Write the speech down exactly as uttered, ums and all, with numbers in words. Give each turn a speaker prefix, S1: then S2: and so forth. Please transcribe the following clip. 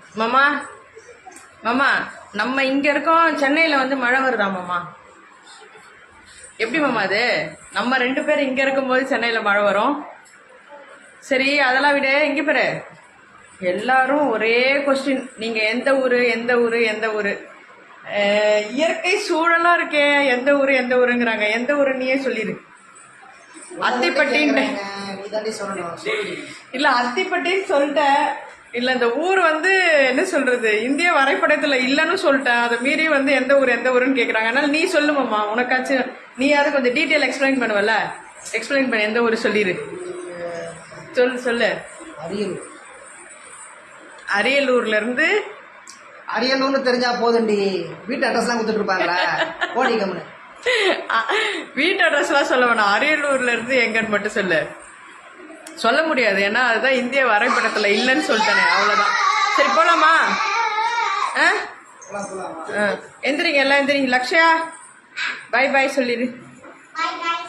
S1: மாமா மாமா நம்ம இங்க இருக்கோம், சென்னையில வந்து மழை வருதா மாமா? எப்படி மாமா அது? நம்ம ரெண்டு பேரும் இங்க இருக்கும்போது சென்னையில மழை வரும். சரி அதெல்லாம் விட இங்க பாரு, எல்லாரும் ஒரே கொஸ்டின், நீங்க எந்த ஊரு எந்த ஊரு எந்த ஊரு? இயற்கை சூழலா இருக்கே, எந்த ஊரு எந்த ஊருங்கிறாங்க. எந்த ஊரு நீயே சொல்லிடு. அத்திப்பட்டின்னு இல்ல, அத்திப்பட்டின்னு சொல்லிட்டேன். இல்ல இந்த ஊர் வந்து என்ன சொல்றது, இந்திய வரைபடத்துல இல்லன்னு சொல்லிட்டேன். அதை மீறி வந்து எந்த ஊர் எந்த ஊருன்னு கேக்குறாங்க. அதனால நீ சொல்லுமாம்மா, உனக்காச்சும் நீ யாரும் கொஞ்சம் டீட்டெயில் எக்ஸ்பிளைன் பண்ணுவல, எக்ஸ்பிளைன் பண்ண. எந்த ஊர் சொல்லிடு, சொல்லு சொல்லு.
S2: அரியலூர்.
S1: அரியலூர்ல இருந்து
S2: அரியலூர்னு தெரிஞ்சா போதுண்டி, வீட்டு அட்ரஸ் எல்லாம் கொடுத்துட்டு இருப்பாங்களா? போடி கம்முனு.
S1: வீட்டு அட்ரஸ் எல்லாம் சொல்ல வேணாம், அரியலூர்ல இருந்து எங்கன்னு மட்டும் சொல்லு. சொல்ல முடியாது, ஏன்னா அதுதான் இந்திய வரைபடத்துல இல்லைன்னு சொல்லிட்டானே, அவ்வளவுதான். சரி போலாமா? எந்திரிங்க எல்லாம் எந்திரிங்க. லக்ஷயா பாய் பாய் சொல்லிடு.